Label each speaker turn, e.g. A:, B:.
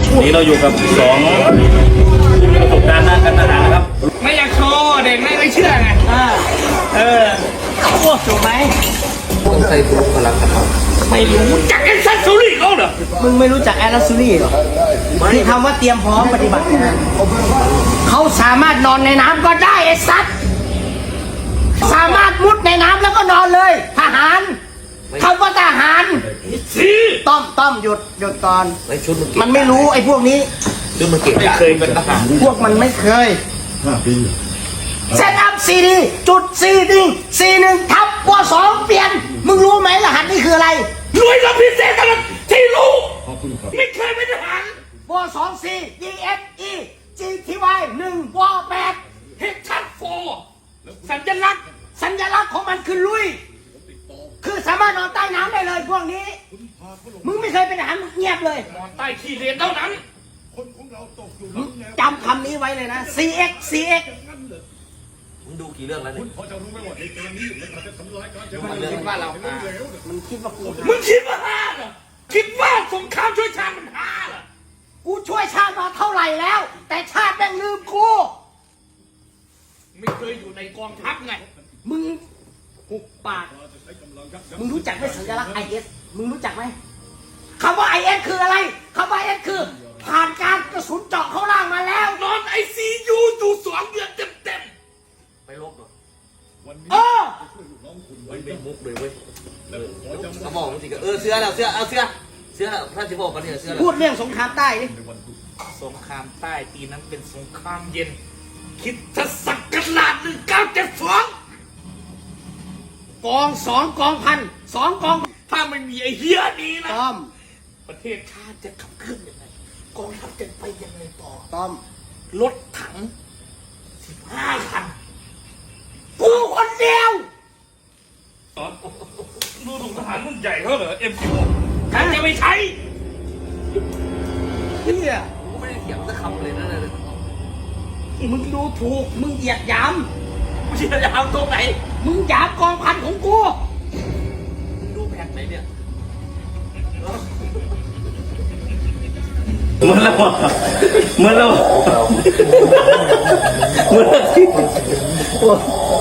A: นี่เราอยู่กับสองประสบการณ์ด้านการทหารนะครับ
B: ไม่อยากโชว์เด็กไม่เชื่อไงโอ้ถูกไหม
C: ต้องใส่บุคลากร
B: ไม่รู้จักแอนซัสซูรี่เขาเหรอ
D: มึงไม่รู้จักแอนซัสซูรี่เหรอที่คำว่าเตรียมพร้อมปฏิบัติงานเขาสามารถนอนในน้ำก็ได้ไอ้สัตว์สามารถมุดในน้ำแล้วก็นอนเลยทหารคำว่าทหารต้อมหยุดก่อนมันไม่รู้ไอ้พวกนี้
C: ชุดมันเก่ง
A: ไม่เคยเป็นทหาร
D: พวกมันไม่เคยเซตอัพCD.41 ทับว2เปลี่ยนมึงรู้ไหมรหัสนี่คืออะไร
B: รวยกับพิเศษกันที่รู้ไม่เคยเป็นทหาร
D: ว2 C DFE GTY 1ว8
B: เฮดชัดโฟสัญลักษณ์
D: ของมันคือลุยคือสามารถนอนใต้น้ำได้เลยพวกนี้มึงไม่เคยเป็นทหารมึงเงียบเลย
B: นอนใต้ขี้เลนเท่านั้น
D: จำคำนี้ไว้เลยนะ CX
C: มึงดูกี่เรื่องแล้วเนี่ย
B: คิดว่าเรา
D: มันคิดว่ากู
B: มึงคิดว่าห้าเหรอคิดว่าสงครามช่วยชาติมันห้าเหรอ
D: กูช่วยชาติมาเท่าไหร่แล้วแต่ชาติแม่งลืมกู
B: ไม่เคยอยู่ในกองทัพไง
D: มึงหุบปากมึงรู้จักไหมสัญลักษณ์ IS มึงรู้จักไหมคำว่า IS คืออะไรคำว่า IS คือผ่านการกระสุนเจาะเข้าล่างมาแล้ว
B: นอน ICU อยู่2 เดือนเต็ม
C: ไปลบเหรอ
B: ไม่
C: มุกเลยเว้ยเขาบอกจริงเสื้อแล้วถ้าจะบอกกันเนี่ยเสื้อ
D: พูดเรื่องสงครามใต้ดิ
B: สงครามใต้ปีนั้นเป็นสงครามเย็นคิดจะสักกระลาด1972กอง2 กองพัน2 กองถ้าไม่มีไอ้เหี้ยนี้นะประเทศชาติจะขับเคลื่อนยังไงกองทัพจะไปยังไงต่อรถถัง15 คันกูคนเดียวดูถูกทหารรุ่นใหญ่เขาเหรอ M16 ใครจะไม่ใช้
D: เฮีย
C: กูไม่ได้เถียงสักคำเลยนะเลย
D: มึงดูถูกมึงเหยียดหยาม
B: มึงเหยียดหยามตรงไหน
D: มึงหยามกองพันของกู
C: มึงดูแผนไหนเนี่ย
A: เหมือนแล้ว